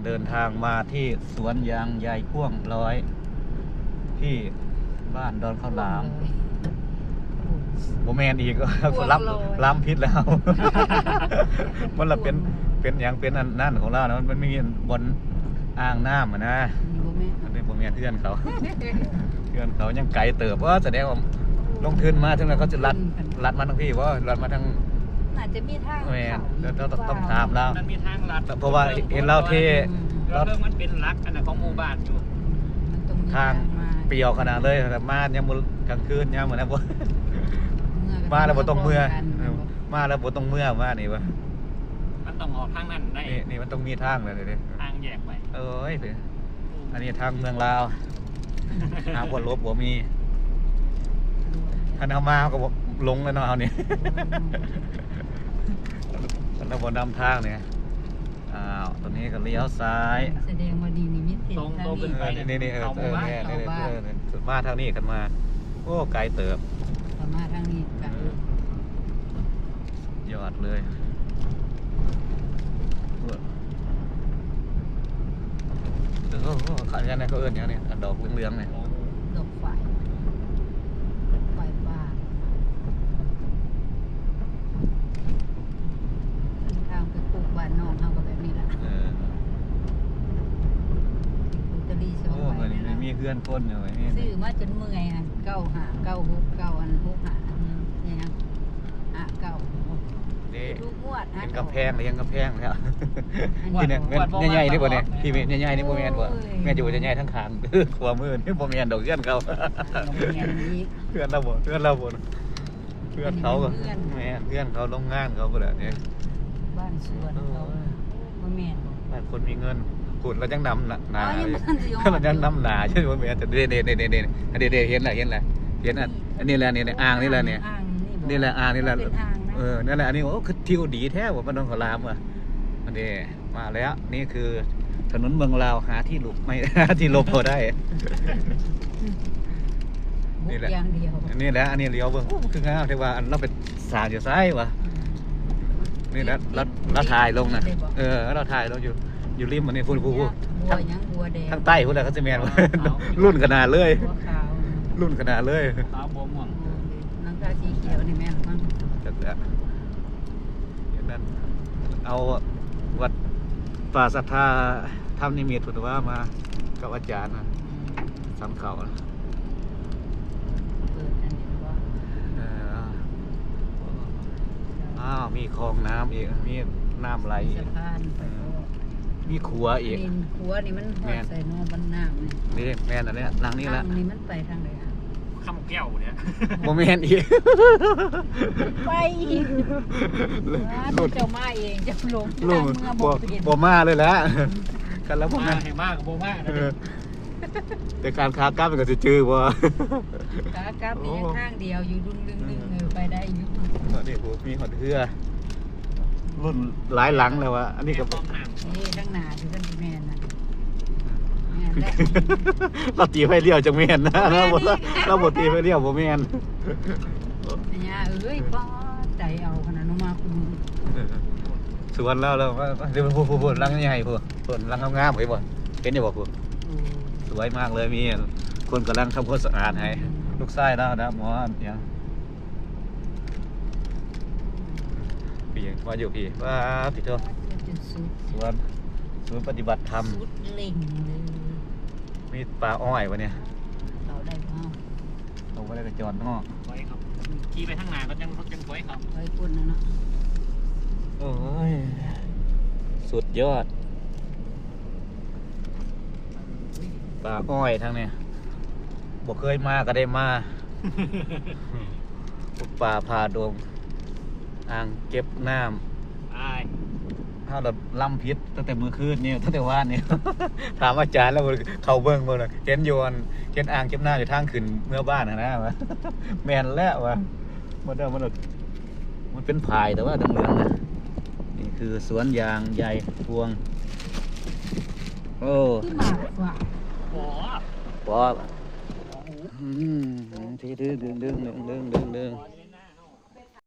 เดินทางมาที่สวนยางยายพ่วงร้อยที่บ้านดอนข้าวหลามโมแมนอีกคนล้ำพิษแล้ว มันละเป็นอย่างเป็นอันนั่นของเรานะมันมีบนอ่างน้ำนะอันนี้โมแมนเพื่อนเขาเพื่อนเขายังไกลเติบว่าแสดงว่าลงทุนมาถึงแล้วเขาจะลัดมาทั้งพี่ว่าลัดมาทั้งอาจจะมีทางเราต้องถามแล้วมันมีทางลัดเพราะว่าเห็นเราเทเราเริ่มมันเป็นลักอันนั้นของหมู่บ้านอยู่ทางเปรียวขนาดเลยแต่มาเนี่ยมือกลางคืนเนี่ยเหมือนนะพวกมาแล้วบ่ต้องเมื่อมาแล้วบ่ต้องเมื่อมานี่วะมันต้องออกทางนั้นได้นี่มันต้องมีทางเลยดิทางแยกไปเอ้ยอันนี้ทางเมืองลาวทางวนลบบ่มีท่านเอามาก็ลงแล้วเนาะเอาเนี่ยท่านเอาบนนำทางเนี่ยตอนนี้ก็เลี้ยวซ้ายแสดงว่าดีนี่มิตรตรงขึ้นไปนี่สุดมาทางนี้กันมาโอ้ไกลเติบมาทางนี้ไกลยอดเลยขายกันนะเขาเอื้อนอย่างนี้ดอกเหลืองๆเนี่ยดอกไฟบ้านทางไปปลูกบ้านนอกเขาก็แบบนี้แหละโอ้ยนี่มีเพื่อนคนอยู่นี่ซื้อมาจนเมื่อยอ่ะ9 5 9 6 9อัน6 5เนี่ยนะ9ทุกงวดเป็นกระแพงเลยยังกระแพงแล้วที่เนี่ยใหญ่ๆนี่บ่เนี่ยพี่ใหญ่ๆนี่บ่แม่นบ่แม่อยู่ใหญ่ๆทั้งคางขวามือนี่บ่แม่นดอกเพื่อนเขาเพื่อนเราบ่เพื่อนเขาก็แม่เพื่อนเขาโรงงานเขาบ่ล่ะเนี่ยบ้านสวนเขาบ่แม่นบ้านคนมีเงินขุดแล้วจังนำหนาแล้วจังนำหนาใช่ไหมแม่แต่เด็ดเห็นแหละอันนี้แหละนี่อ่างนี่แหละเนี่ยนี่แหละอ่างนี่แหละนั่นแหละอันนี้โอ้คือทิวดีแท้ว่าบ้านดอนข้าวหลามอ่ะอันนี้มาแล้วนี่คือถนนเมืองลาวหาที่หลบไม่ที่หลบพอได้นี่แหละนี่แหละอันนี้เลี้ยวเบื้องคืองามแต่ว่าอันเราเป็นสายอยู่ซ้ายวะนี่แล้วเราถ่ายลงนะเราถ่ายลงอยู่ริมมันนี่พูดทางใต้พูดอะไรเขาจะแมนว่ารุ่นขนาดเลยรุ่นขนาดเลยขาวบวมม่วงน้ำตาสีเขียวนี่แม่หรือมั้งจัดแล้วอย่างนั้นเอาวัดป่าศรัทธาทำนิมิตพุทธว่ามากับอาจารย์นะสำเขามีคลองน้ำอีกมีน้ำไหลมีขัวอีกขัวนี่มันหอดใส่นอบันน้ำนี่แม่นอันนี้หลังนี้แหละนี่มันไปทางไหนอ่ะคำแก้วเนี่ยโมเมนต์อีกไปอีกเจ้ามาเองจะลงบ่มาเลยแหละกันแล้วบ่มาให้มากกับบ่มาแต่การค้ากล้าเป็นกับจะจื้อบ่ค้ากล้ามีข้างเดียวอยู่ดึงไปได้อยู่นี่โหมีหอดเรือรุ่นหลายหลังแล้ววะอันนี้ก็นี่ทั้งหนาที่ท่านแม่นะเราตีไฟเลี้ยวจังแม่นนะเราบดตีไฟเลี้ยวบ่แม่นเนี่ยป้าใจเอาขนาดน้องมาคุณสวนแล้วเดี๋ยวพูดรังใหญ่พูดรังงามๆไปบ่เห็นอยู่บ่พูดสวยมากเลยมีคนกำลังทำความสะอาดให้ลูกไส้แล้วนะหมอเนี่ยพี่มาอยู่พี่ว่าพี่โตสวนปฏิบัติธรรมมีปลาอ้อยวะเนี่ยเราได้เปล่าเราไม่ได้กระจรเนาะไว้ครับขี่ไปทางไหนก็จังไว้ครับไว้ปุ่นนะเนาะโอ้ยสุดยอดปลาอ้อยทางเนี่ยบอกเคยมาก็ได้มาปลาพาดงอ่างเก็บน้ำถ้าเราล่ำพิษตั้งแต่มือคืนนี่ตั้งแต่ว่านนี่ถามอาจารย์แล้วเขาเบิ้งมาเลยเห็นโยนเห็นอ่างเก็บน้ำอยู่ทางขึ้นเมื่อบ้านนะวะแมนแล้ววะมันเป็นพายแต่ว่าเหลืองๆนะนี่คือสวนยางใหญ่พวงโอ้ปอที่ดึง